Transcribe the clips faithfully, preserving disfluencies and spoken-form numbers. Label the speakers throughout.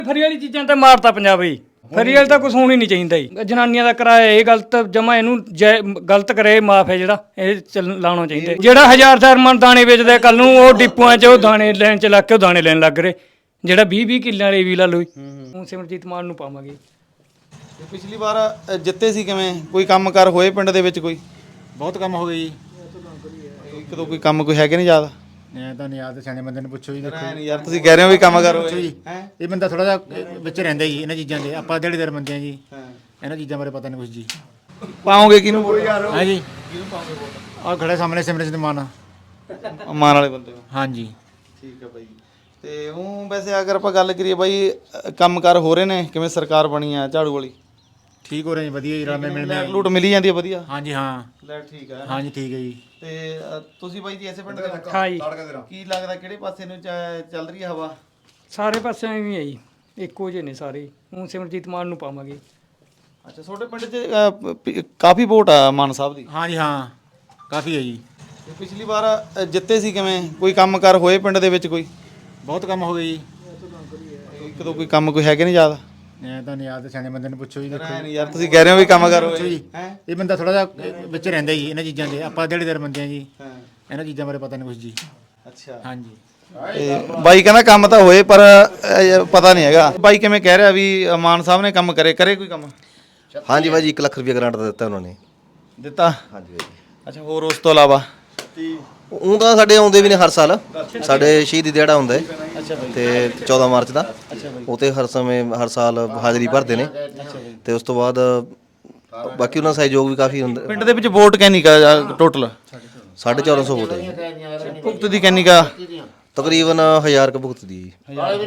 Speaker 1: Free ਵਾਲੀ ਚੀਜ਼ਾਂ ਤਾਂ ਮਾਰਤਾ ਪੰਜਾਬ ਹੀ। ਫਰੀ ਵਾਲੀ ਤਾਂ ਕੁਛ ਹੋਣੀ ਨਹੀਂ ਚਾਹੀਦਾ ਜੀ। ਜਨਾਨੀਆਂ ਦਾ ਕਿਰਾਇਆ ਇਹ ਗਲਤ ਜਮਾ, ਇਹਨੂੰ ਗਲਤ ਕਰੇ ਮਾਫ ਹੈ ਜਿਹੜਾ ਇਹ ਚੱਲ ਲਾਉਣਾ ਚਾਹੀਦਾ। ਜਿਹੜਾ ਹਜ਼ਾਰ ਹਜ਼ਾਰ ਮਨ ਦਾਣੇ ਵੇਚਦਾ ਕੱਲ ਨੂੰ ਉਹ ਡਿਪੂਆਂ 'ਚ ਉਹ ਦਾਣੇ ਲੈਣ 'ਚ ਲੱਗ ਕੇ ਉਹ ਦਾਣੇ ਲੈਣ ਲੱਗ ਰਹੇ। ਜਿਹੜਾ ਵੀਹ ਵੀਹ ਕਿੱਲਿਆਂ ਵਾਲੇ ਵੀ ਲਾ ਲਓ। ਹੁਣ ਸਿਮਰਜੀਤ ਮਾਨ ਨੂੰ ਪਾਵਾਂਗੇ।
Speaker 2: ਪਿਛਲੀ ਵਾਰ ਜਿੱਤੇ ਸੀ, ਕਿਵੇਂ ਕੋਈ ਕੰਮ ਕਾਰ ਹੋਏ ਪਿੰਡ ਦੇ ਵਿੱਚ? ਕੋਈ
Speaker 3: ਬਹੁਤ ਕੰਮ ਹੋ ਗਏ ਜੀ।
Speaker 2: ਇੱਕ ਦੋ ਕੋਈ ਕੰਮ ਕੋਈ ਹੈਗੇ ਨਹੀਂ ਯਾਦ?
Speaker 3: ਮੈਂ ਤਾਂ ਨਹੀਂ ਯਾਦ, ਸਿਆਣੇ ਬੰਦੇ ਨੂੰ ਪੁੱਛੋ ਜੀ। ਦੇਖੋ
Speaker 2: ਨਹੀਂ ਯਾਰ, ਤੁਸੀਂ ਕਹਿ ਰਹੇ ਹੋ ਵੀ ਕੰਮ ਕਾਰ ਹੋਏ
Speaker 3: ਜੀ। ਇਹ ਬੰਦਾ ਥੋੜਾ ਜਿਹਾ ਵਿੱਚ ਰਹਿੰਦਾ ਜੀ ਇਹਨਾਂ ਚੀਜ਼ਾਂ ਦੇ। ਆਪਾਂ ਦਿਹਾੜੀਦਾਰ ਬੰਦੇ ਆ ਜੀ, ਇਹਨਾਂ ਚੀਜ਼ਾਂ ਬਾਰੇ ਪਤਾ ਨਹੀਂ ਕੁਝ ਜੀ।
Speaker 2: ਪਾਓਗੇ ਕਿਹਨੂੰ ਵੋਟ?
Speaker 3: ਹਾਂ ਜੀ, ਆਹ ਖੜੇ ਸਾਹਮਣੇ ਸਿਮਰਜੀਤ ਮਾਨ
Speaker 2: ਮਾਨ ਵਾਲੇ ਬੰਦੇ ਹੋ?
Speaker 3: ਹਾਂਜੀ
Speaker 2: ਠੀਕ ਹੈ ਬਾਈ। ਤੇ ਉਹ ਵੈਸੇ ਅਗਰ ਆਪਾਂ ਗੱਲ ਕਰੀਏ ਬਾਈ, ਕੰਮ ਕਾਰ ਹੋ ਰਹੇ ਨੇ? ਕਿਵੇਂ ਸਰਕਾਰ ਬਣੀ ਆ ਝਾੜੂ ਵਾਲੀ?
Speaker 3: ਠੀਕ ਹੋ ਰਹੇ ਜੀ, ਵਧੀਆ ਜੀ। ਰਲ ਮਿਲ
Speaker 2: ਲੈਟ ਲੂਟ ਮਿਲੀ ਜਾਂਦੀ ਹੈ ਵਧੀਆ?
Speaker 3: ਹਾਂਜੀ ਹਾਂ,
Speaker 2: ਲੈਟ ਠੀਕ ਹੈ।
Speaker 3: ਹਾਂਜੀ ਠੀਕ ਹੈ ਜੀ।
Speaker 2: ਤੇ ਤੁਸੀਂ ਬਾਈ ਜੀ ਐਸੇ ਪਿੰਡ ਦੇ?
Speaker 1: ਹਾਂ ਜੀ।
Speaker 2: ਕੀ ਲੱਗਦਾ ਕਿਹੜੇ ਪਾਸੇ ਨੂੰ ਚੱਲ ਰਹੀ ਹੈ ਹਵਾ?
Speaker 1: ਸਾਰੇ ਪਾਸਿਆਂ ਵੀ ਹੈ ਜੀ, ਇੱਕੋ ਜਿਹੇ ਨੇ ਸਾਰੇ। ਹੁਣ ਸਿਮਰਜੀਤ ਮਾਨ ਨੂੰ ਪਾਵਾਂਗੇ।
Speaker 2: ਅੱਛਾ, ਤੁਹਾਡੇ ਪਿੰਡ 'ਚ ਕਾਫੀ ਵੋਟ ਆ ਮਾਨ ਸਾਹਿਬ ਦੀ?
Speaker 3: ਹਾਂਜੀ ਹਾਂ, ਕਾਫੀ ਹੈ ਜੀ।
Speaker 2: ਪਿਛਲੀ ਵਾਰ ਜਿੱਤੇ ਸੀ, ਕਿਵੇਂ ਕੋਈ ਕੰਮ ਕਾਰ ਹੋਏ ਪਿੰਡ ਦੇ ਵਿੱਚ? ਕੋਈ
Speaker 3: ਬਹੁਤ ਕੰਮ ਹੋ ਗਏ ਜੀ।
Speaker 2: ਇੱਕ ਦੋ ਕੋਈ ਕੰਮ ਕੋਈ ਹੈਗੇ ਨਹੀਂ ਯਾਦ?
Speaker 3: ਮੈਂ ਤਾਂ ਨਹੀਂ ਯਾਦ, ਸਿਆਣੇ ਬੰਦੇ ਨੂੰ ਪੁੱਛੋ ਜੀ। ਦੇਖੋ
Speaker 2: ਨਹੀਂ ਯਾਰ, ਤੁਸੀਂ ਕਹਿ ਰਹੇ ਹੋ ਵੀ ਕੰਮ ਕਾਰ ਹੋਏ।
Speaker 3: ਇਹ ਬੰਦਾ ਥੋੜਾ ਜਿਹਾ ਵਿੱਚ ਰਹਿੰਦਾ ਜੀ ਇਹਨਾਂ ਚੀਜ਼ਾਂ ਦੇ। ਆਪਾਂ ਦਿਹਾੜੀਦਾਰ ਬੰਦੇ ਆ ਜੀ, ਇਹਨਾਂ ਚੀਜ਼ਾਂ ਬਾਰੇ ਪਤਾ ਨਹੀਂ ਕੁਝ ਜੀ।
Speaker 2: ਅੱਛਾ
Speaker 3: ਹਾਂਜੀ।
Speaker 2: ਤੇ ਬਾਈ ਕਹਿੰਦਾ ਕੰਮ ਤਾਂ ਹੋਏ ਪਰ ਪਤਾ ਨਹੀਂ ਹੈਗਾ। ਬਾਈ ਕਿਵੇਂ ਕਹਿ ਰਿਹਾ ਵੀ ਮਾਨ ਸਾਹਿਬ ਨੇ ਕੰਮ ਕਰੇ? ਕਰੇ ਕੋਈ ਕੰਮ?
Speaker 4: ਹਾਂਜੀ ਬਾਈ ਜੀ, ਇੱਕ ਲੱਖ ਰੁਪਏ ਗ੍ਰਾਂਟ ਦਿੱਤਾ ਉਹਨਾਂ ਨੇ।
Speaker 2: ਦਿੱਤਾ?
Speaker 4: ਹਾਂਜੀ ਬਾਈ।
Speaker 2: ਅੱਛਾ, ਹੋਰ ਉਸ ਤੋਂ ਇਲਾਵਾ?
Speaker 4: ਉਹ ਤਾਂ ਸਾਡੇ ਆਉਂਦੇ ਵੀ ਨੇ ਹਰ ਸਾਲ। ਸਾਡੇ ਸ਼ਹੀਦੀ ਦਿਹਾੜਾ ਹੁੰਦਾ ਹੈ ਤੇ ਚੌਦਾਂ ਮਾਰਚ ਦਾ। ਉਹ ਤੇ ਹਰ ਸਮੇਂ ਹਰ ਸਾਲ ਹਾਜ਼ਰੀ ਭਰਦੇ ਨੇ। ਤੇ ਉਸ ਤੋਂ ਬਾਅਦ ਬਾਕੀ ਉਹਨਾਂ ਦਾ ਸਹਿਯੋਗ ਵੀ ਕਾਫੀ ਹੁੰਦਾ।
Speaker 2: ਪਿੰਡ ਦੇ ਵਿੱਚ ਵੋਟ ਕਿੰਨੀ ਕਾ ਟੋਟਲ?
Speaker 4: ਸਾਢੇ ਚੌਦਾਂ ਸੌ ਵੋਟ ਹੈ ਜੀ।
Speaker 2: ਭੁਗਤ ਦੀ ਕਿੰਨੀ ਕਾ?
Speaker 4: ਤਕਰੀਬਨ ਹਜ਼ਾਰ ਕੁ ਭੁਗਤ ਦੀ ਜੀ।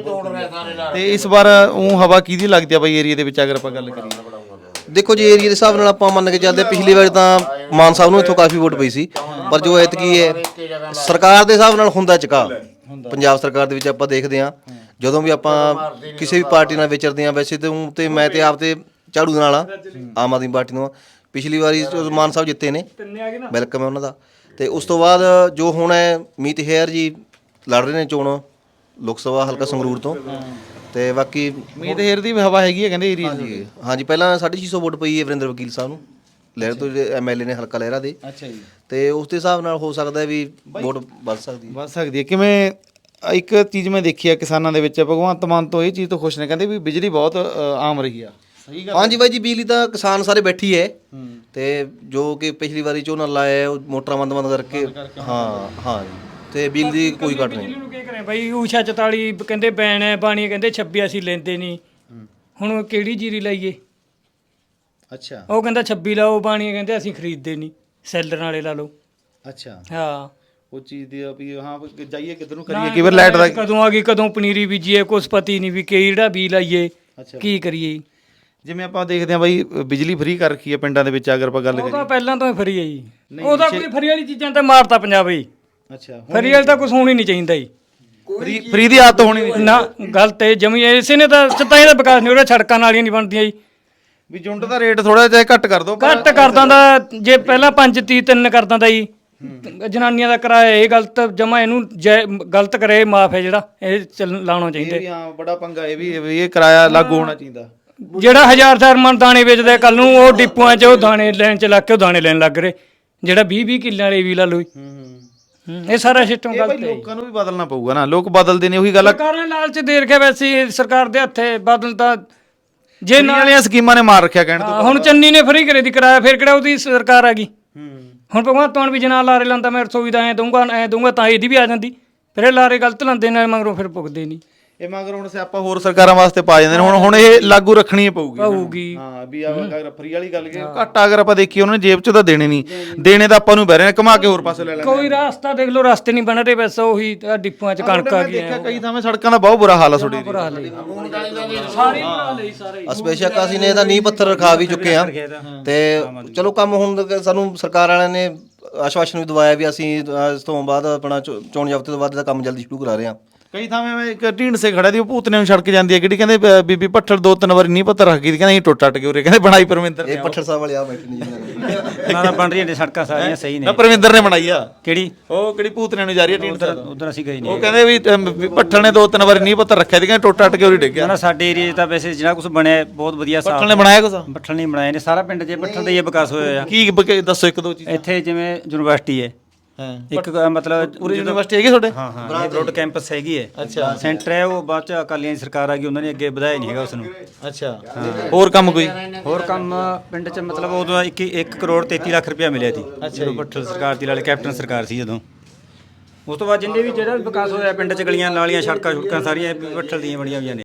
Speaker 2: ਤੇ ਇਸ ਵਾਰ ਉਹ ਹਵਾ ਕਿਹਦੀ ਲੱਗਦੀ ਆ ਬਾਈ ਏਰੀਆ ਦੇ ਵਿੱਚ ਅਗਰ ਆਪਾਂ ਗੱਲ ਕਰੀਏ?
Speaker 4: ਦੇਖੋ ਜੀ, ਏਰੀਆ ਦੇ ਹਿਸਾਬ ਨਾਲ ਆਪਾਂ ਮੰਨ ਕੇ ਚੱਲਦੇ, ਪਿਛਲੀ ਵਾਰ ਤਾਂ ਮਾਨ ਸਾਹਿਬ ਨੂੰ ਇੱਥੋਂ ਕਾਫੀ ਵੋਟ ਪਈ ਸੀ। ਪਰ ਜੋ ਐਤਕੀ ਹੈ ਸਰਕਾਰ ਦੇ ਹਿਸਾਬ ਨਾਲ ਹੁੰਦਾ ਚੁਕਾ। ਪੰਜਾਬ ਸਰਕਾਰ ਦੇ ਵਿੱਚ ਆਪਾਂ ਦੇਖਦੇ ਹਾਂ, ਜਦੋਂ ਵੀ ਆਪਾਂ ਕਿਸੇ ਵੀ ਪਾਰਟੀ ਨਾਲ ਵਿਚਰਦੇ ਹਾਂ, ਵੈਸੇ ਤੇ ਤੇ ਮੈਂ ਤੇ ਆਪ ਤੇ ਝਾੜੂ ਦੇ ਨਾਲ ਆ, ਆਮ ਆਦਮੀ ਪਾਰਟੀ ਨੂੰ। ਪਿਛਲੀ ਵਾਰੀ ਮਾਨ ਸਾਹਿਬ ਜਿੱਤੇ ਨੇ, ਵੈਲਕਮ ਹੈ ਉਹਨਾਂ ਦਾ। ਤੇ ਉਸ ਤੋਂ ਬਾਅਦ ਜੋ ਹੁਣ ਹੈ, ਮੀਤ ਹੇਅਰ ਜੀ ਲੜ ਰਹੇ ਨੇ ਚੋਣ ਲੋਕ ਸਭਾ ਹਲਕਾ ਸੰਗਰੂਰ ਤੋਂ। ਤੇ ਬਾਕੀ
Speaker 2: ਮੀਤ ਹੇਅਰ ਦੀ ਹਵਾ ਹੈਗੀ ਹੈ ਕਹਿੰਦੇ ਏਰੀਆ ਦੀ?
Speaker 4: ਹਾਂਜੀ, ਪਹਿਲਾਂ ਸਾਢੇ ਛੇ ਸੌ ਵੋਟ ਪਈ ਹੈ ਵਰਿੰਦਰ ਵਕੀਲ ਸਾਹਿਬ ਨੂੰ, ਲਹਿਰ ਤੋਂ, ਜਿਹੜੇ ਐਮ ਐਲ ਏ ਨੇ ਹਲਕਾ ਲਹਿਰਾ ਦੇ।
Speaker 2: ਅੱਛਾ ਜੀ।
Speaker 4: ਤੇ ਉਸ ਦੇ ਹਿਸਾਬ ਨਾਲ ਹੋ ਸਕਦਾ ਵੀ ਵੋਟ ਵੱਧ ਸਕਦੀ ਹੈ।
Speaker 2: ਵੱਧ ਸਕਦੀ ਹੈ। ਕਿਵੇਂ ਇੱਕ ਚੀਜ਼ ਮੈਂ ਦੇਖੀ ਆ ਕਿਸਾਨਾਂ ਦੇ ਵਿੱਚ, ਭਗਵੰਤ ਮਾਨ ਤੋਂ ਇਹ ਚੀਜ਼ ਤੋਂ ਖੁਸ਼ ਨੇ, ਕਹਿੰਦੇ ਵੀ ਬਿਜਲੀ ਬਹੁਤ ਆਮ ਰਹੀ ਆ। ਸਹੀ ਗੱਲ?
Speaker 4: ਹਾਂਜੀ ਬਾਈ ਜੀ, ਬਿਜਲੀ ਤਾਂ ਕਿਸਾਨ ਸਾਰੇ ਬੈਠੀ ਹੈ। ਤੇ ਜੋ ਕਿ ਪਿਛਲੀ ਵਾਰੀ ਝੋਨਾ ਲਾਇਆ ਉਹ ਮੋਟਰਾਂ ਬੰਦ ਬੰਦ ਕਰਕੇ। ਹਾਂ ਹਾਂ ਜੀ। ਤੇ ਬਿਜਲੀ ਦੀ ਕੋਈ ਘਟ ਨਹੀਂ।
Speaker 1: ਬਿਜਲੀ ਨੂੰ ਕੀ ਕਰੇ ਬਾਈ? ਊਸ਼ਾ ਚਤਾਲੀ ਕਹਿੰਦੇ ਬੈਨ ਹੈ, ਬਾਣੀ ਕਹਿੰਦੇ ਛੱਬੀ ਅਸੀਂ ਲੈਂਦੇ ਨਹੀਂ। ਹੁਣ ਕਿਹੜੀ ਜੀਰੀ ਲਾਈਏ?
Speaker 2: ਅੱਛਾ,
Speaker 1: ਉਹ ਕਹਿੰਦਾ ਛੱਬੀ ਲਾਓ, ਬਾਣੀ ਕਹਿੰਦੇ ਅਸੀਂ ਖਰੀਦਦੇ ਨਹੀਂ, ਸੈਲਰ ਵਾਲੇ ਲਾ ਲਓ।
Speaker 2: ਅੱਛਾ।
Speaker 1: ਹਾਂ,
Speaker 2: ਉਹ ਚੀਜ਼ ਦੀ ਵੀ ਹਾਂ ਜਾਈਏ ਕਿੱਧਰ ਨੂੰ ਕਰੀਏ? ਕਿਵੇਂ ਲਾਈਟ ਦਾ
Speaker 1: ਕਦੋਂ ਆ ਗਈ, ਕਦੋਂ ਪਨੀਰੀ ਬੀਜੀਏ, ਕੁਛ ਪਤੀ ਨਹੀਂ ਵੀ ਕਿਹੜਾ ਬੀ ਲਾਈਏ, ਕੀ ਕਰੀਏ।
Speaker 2: ਜਿਵੇਂ ਆਪਾਂ ਦੇਖਦੇ ਹਾਂ ਬਾਈ, ਬਿਜਲੀ ਫ੍ਰੀ ਕਰ ਰੱਖੀ ਹੈ ਪਿੰਡਾਂ ਦੇ ਵਿੱਚ ਅਗਰ ਆਪਾਂ ਗੱਲ
Speaker 1: ਉਹ ਤਾਂ
Speaker 2: ਕਰੀਏ।
Speaker 1: ਪਹਿਲਾਂ ਤੋਂ ਹੀ ਫਰੀ ਹੈ ਜੀ। ਉਹਦਾ ਕੋਈ ਫਰੀ ਵਾਲੀ ਚੀਜ਼ਾਂ ਤਾਂ ਮਾਰਤਾ ਪੰਜਾਬ ਹੀ।
Speaker 2: ਅੱਛਾ,
Speaker 1: ਫਰੀ ਵਾਲੀ ਤਾਂ ਕੁਛ ਹੋਣੀ ਨਹੀਂ ਚਾਹੀਦਾ ਜੀ।
Speaker 2: ਫ੍ਰੀ ਫ੍ਰੀ ਦੀ ਆਦਤ ਹੋਣੀ ਨਹੀਂ
Speaker 1: ਨਾ, ਗਲਤ ਹੈ ਜਮੀ। ਇਸੇ ਨੇ ਤਾਂ ਸਤਾਈ ਦਾ ਵਿਕਾਸ ਨਹੀਂ ਹੋ ਰਿਹਾ, ਸੜਕਾਂ ਨਾਲੀਆਂ ਨਹੀਂ ਬਣਦੀਆਂ ਜੀ।
Speaker 2: ਵੀ ਜੁੰਡ ਦਾ ਰੇਟ ਥੋੜਾ ਜਿਹਾ ਘੱਟ ਕਰ ਦੋ।
Speaker 1: ਘੱਟ ਕਰ ਦਿੰਦਾ, ਜੇ ਪਹਿਲਾਂ ਪੰਜ ਤੀਹ ਤਿੰਨ ਕਰ ਦਿੰਦਾ ਜੀ। ਜਨਾਨੀਆਂ ਦਾ ਕਿਰਾਇਆ ਇਹ ਗਲਤ ਜਮਾ, ਇਹਨੂੰ ਗਲਤ ਕਰੇ ਮਾਫ ਹੈ ਜਿਹੜਾ ਇਹ ਚੱਲ ਲਾਉਣਾ ਚਾਹੀਦਾ।
Speaker 2: ਵੀ ਹਾਂ, ਬੜਾ ਪੰਗਾ ਇਹ ਵੀ ਇਹ ਕਿਰਾਇਆ ਲਾਗੂ ਹੋਣਾ ਚਾਹੀਦਾ।
Speaker 1: ਜਿਹੜਾ ਹਜ਼ਾਰ ਹਜ਼ਾਰ ਮਨ ਦਾਣੇ ਵੇਚਦਾ ਕੱਲ ਨੂੰ ਉਹ ਡਿਪੂਆਂ 'ਚ ਉਹ ਦਾਣੇ ਲੈਣ 'ਚ ਲੱਗ ਕੇ ਉਹ ਦਾਣੇ ਲੈਣ ਲੱਗ ਰਹੇ। ਜਿਹੜਾ ਵੀਹ ਵੀਹ ਕਿੱਲਿਆਂ ਵਾਲੇ ਵੀ ਲਾ ਲਓ। ਇਹ ਸਾਰਾ ਸਿਸਟਮ ਗਲਤ ਹੈ।
Speaker 2: ਲੋਕਾਂ ਨੂੰ ਵੀ ਬਦਲਣਾ ਪਊਗਾ ਨਾ, ਲੋਕ ਬਦਲਦੇ ਨੇ। ਉਹੀ ਗੱਲ
Speaker 1: ਸਰਕਾਰ ਨੇ ਲਾਲਚ ਦੇ ਰੱਖਿਆ, ਵੈਸੇ ਸਰਕਾਰ ਦੇ ਹੱਥੇ ਬਦਲ ਤਾਂ ਜੇ
Speaker 2: ਨਾਲੀਆਂ ਸਕੀਮਾਂ ਨੇ ਮਾਰ ਰੱਖਿਆ ਕਹਿਣ ਤੋਂ।
Speaker 1: ਹੁਣ ਚੰਨੀ ਨੇ ਫਰੀ ਕਰੇ ਦੀ ਕਿਰਾਇਆ, ਫਿਰ ਕਿਹੜਾ ਉਹਦੀ ਸਰਕਾਰ ਆ ਗਈ। ਹੁਣ ਭਗਵੰਤ ਮਾਨ ਵੀ ਜਨਾ ਲਾਰੇ ਲਾਂਦਾ, ਮੈਂ ਰਸੋਈ ਦਾ ਐਂ ਦਊਂਗਾ ਐਂ ਦਊਂਗਾ, ਤਾਂ ਇਹਦੀ ਵੀ ਆ ਜਾਂਦੀ। ਫਿਰ ਇਹ ਲਾਰੇ ਗਲਤ ਲਾਂਦੇ ਨੇ, ਮਗਰੋਂ ਫਿਰ ਭੁਗਦੇ ਨਹੀਂ।
Speaker 2: ਇਹ ਮਗਰ ਹੁਣ ਸਿਆਪਾ ਹੋਰ ਸਰਕਾਰਾਂ ਵਾਸਤੇ ਪਾ ਜਾਂਦੇ ਨੇ। ਹੁਣ ਹੁਣ ਇਹ ਲਾਗੂ ਰੱਖਣੀ ਪਊਗੀ
Speaker 1: ਪਊਗੀ।
Speaker 2: ਹਾਂ, ਵੀ ਅਗਰ ਫਰੀ ਵਾਲੀ ਗੱਲ ਕਿ ਘੱਟ ਅਗਰ ਆਪਾਂ ਦੇਖੀਏ, ਉਹਨਾਂ ਨੇ ਜੇਬ 'ਚ ਤਾਂ ਦੇਣੇ ਨਹੀਂ, ਦੇਣੇ ਤਾਂ ਆਪਾਂ ਨੂੰ ਬਹਿ ਰਹੇ ਨੇ, ਘੁਮਾ ਕੇ ਹੋਰ ਪਾਸੇ ਲੈ ਲੈਣੇ।
Speaker 1: ਕੋਈ ਰਸਤਾ ਦੇਖ ਲਓ, ਰਸਤੇ ਨਹੀਂ ਬਣ ਰਹੇ, ਬਸ ਉਹੀ ਡਿਪੂਆਂ 'ਚ ਕਣਕ ਆ ਗਈ।
Speaker 2: ਦੇਖਿਆ ਕਈ ਥਾਵੇਂ ਸੜਕਾਂ ਦਾ ਬਹੁਤ ਬੁਰਾ ਹਾਲ ਆ ਤੁਹਾਡੇ
Speaker 1: ਬੁਰਾ ਹਾਲ ਹੈ ਸਾਰੇ ਬਣਾ ਲਈ ਸਾਰੇ।
Speaker 4: ਬੇਸ਼ੱਕ ਅਸੀਂ ਨੇ ਇਹਦਾ ਨੀਂਹ ਪੱਥਰ ਰਖਾ ਵੀ ਚੁੱਕੇ ਹਾਂ। ਤੇ ਚਲੋ ਕੰਮ ਹੁਣ ਸਾਨੂੰ ਸਰਕਾਰ ਵਾਲਿਆਂ ਨੇ ਆਸ਼ਵਾਸਨ ਵੀ ਦਵਾਇਆ ਵੀ ਅਸੀਂ ਇਸ ਤੋਂ ਬਾਅਦ ਆਪਣਾ ਚੋਣ ਜ਼ਾਬਤੇ ਤੋਂ ਬਾਅਦ ਇਹਦਾ ਕੰਮ ਜਲਦੀ ਸ਼ੁਰੂ ਕਰਾ ਰਹੇ ਹਾਂ।
Speaker 2: ਕਈ ਥਾਵੇਂ ਮੈਂ ਇੱਕ ਢੀਂਡਸੇ ਖੜਾ ਦੀ ਉਹ ਭੂਤਨੇ ਨੂੰ ਛੜਕ ਜਾਂਦੀ ਹੈ ਕਿਹੜੀ ਕਹਿੰਦੇ ਬ- ਬੀਬੀ ਭੱਠਲ ਦੋ ਤਿੰਨ ਵਾਰੀ ਨਹੀਂ ਪਤਾ ਰੱਖ ਗਈ ਕਹਿੰਦੇ ਅਸੀਂ ਟੁੱਟ ਟੱਟ ਕੇ ਉਰੇ ਕਹਿੰਦੇ ਬਣਾਈ ਪਰਮਿੰਦਰ ਨੇ
Speaker 4: ਇਹ ਪੱਠੜ ਸਾਹਿਬ ਵਾਲੇ ਆ ਬੈਠੇ ਨੇ ਜੀ
Speaker 5: ਨਾ ਨਾ ਬਣ ਰਹੀਆਂ ਨੇ ਸੜਕਾਂ ਸਾਰੀਆਂ ਸਹੀ
Speaker 2: ਨਾ
Speaker 5: ਨੇ।
Speaker 2: ਪਰਮਿੰਦਰ ਨੇ ਬਣਾਈ ਆ
Speaker 5: ਕਿਹੜੀ?
Speaker 2: ਉਹ ਕਿਹੜੀ ਭੂਤਨੇ ਨੂੰ ਜਾ ਰਹੀ ਹੈ ਢੀਂਡਸੇ
Speaker 5: ਉਧਰ ਉਧਰ ਅਸੀਂ ਗਏ
Speaker 2: ਉਹ
Speaker 5: ਨਹੀਂ।
Speaker 2: ਕਹਿੰਦੇ ਵੀ ਅਮ, ਵੀ ਭੱਠਲ ਨੇ ਦੋ ਤਿੰਨ ਵਾਰੀ ਨਹੀਂ ਪਤਾ ਰੱਖਿਆ ਸੀ ਕਹਿੰਦੇ ਟੁੱਟ ਟੱਟ ਕੇ ਉਰੇ ਡਿੱਗ
Speaker 5: ਨਾ
Speaker 2: ਗਿਆ
Speaker 5: ਨਾ ਸਾਡੇ ਏਰੀਏ 'ਚ ਤਾਂ ਵੈਸੇ ਜਿਹੜਾ ਕੁਝ ਬਣਿਆ ਬਹੁਤ ਵਧੀਆ ਸਾਫ।
Speaker 2: ਭੱਠਲ ਨੇ ਬਣਾਇਆ ਕੁਛ
Speaker 5: ਬੱਠਲ ਨਹੀਂ ਬਣਾਏ ਨੇ, ਸਾਰਾ ਪਿੰਡ 'ਚ ਬੱਠਲ ਦਾ ਹੀ ਵਿਕਾਸ ਹੋਇਆ ਆ।
Speaker 2: ਕੀ ਬ- ਦੱਸੋ ਇੱਕ ਦੋ ਚੀਜ਼ਾਂ
Speaker 5: ਇੱਥੇ ਜਿਵੇਂ ਯੂਨੀਵਰਸਿਟੀ ਹੈ
Speaker 2: ਹਾਂ
Speaker 5: ਇੱਕ ਅ, ਮਤਲਬ
Speaker 2: ਪੂਰੀ ਯੂਨੀਵਰਸਿਟੀ ਹੈਗੀ ਤੁਹਾਡੇ
Speaker 5: ਹਾਂ ਹਾਂ ਇਹ ਬਰੋਡ ਕੈਂਪਸ ਹੈਗੀ ਹੈ।
Speaker 2: ਅੱਛਾ
Speaker 5: ਸੈਂਟਰ ਹੈ ਉਹ ਬਾਅਦ 'ਚ ਅਕਾਲੀਆਂ ਦੀ ਸਰਕਾਰ ਆ ਗਈ, ਉਹਨਾਂ ਨੇ ਅੱਗੇ ਵਧਾਇਆ ਨਹੀਂ ਹੈਗਾ ਉਸ ਨੂੰ।
Speaker 2: ਅੱਛਾ ਹੋਰ ਕੰਮ ਕੋਈ
Speaker 5: ਹੋਰ ਕੰਮ ਪਿੰਡ 'ਚ ਮਤਲਬ ਉਦੋਂ ਇੱਕ ਇੱਕ ਕਰੋੜ ਤੇਤੀ ਲੱਖ ਰੁਪਇਆ ਮਿਲਿਆ ਸੀ ਜਦੋਂ ਬੱਠਲ ਸਰਕਾਰ ਦੀ ਨਾਲੇ ਕੈਪਟਨ ਸਰਕਾਰ ਸੀ ਜਦੋਂ। ਉਸ ਤੋਂ ਬਾਅਦ ਜਿੰਨੇ ਵੀ ਜਿਹੜਾ ਵੀ ਵਿਕਾਸ ਹੋਇਆ ਪਿੰਡ 'ਚ ਗਲੀਆਂ ਨਾਲੀਆਂ ਸੜਕਾਂ ਸੁੜਕਾਂ ਸਾਰੀਆਂ ਬੱਠਲ ਦੀਆਂ ਬਣੀਆਂ ਹੋਈਆਂ ਨੇ।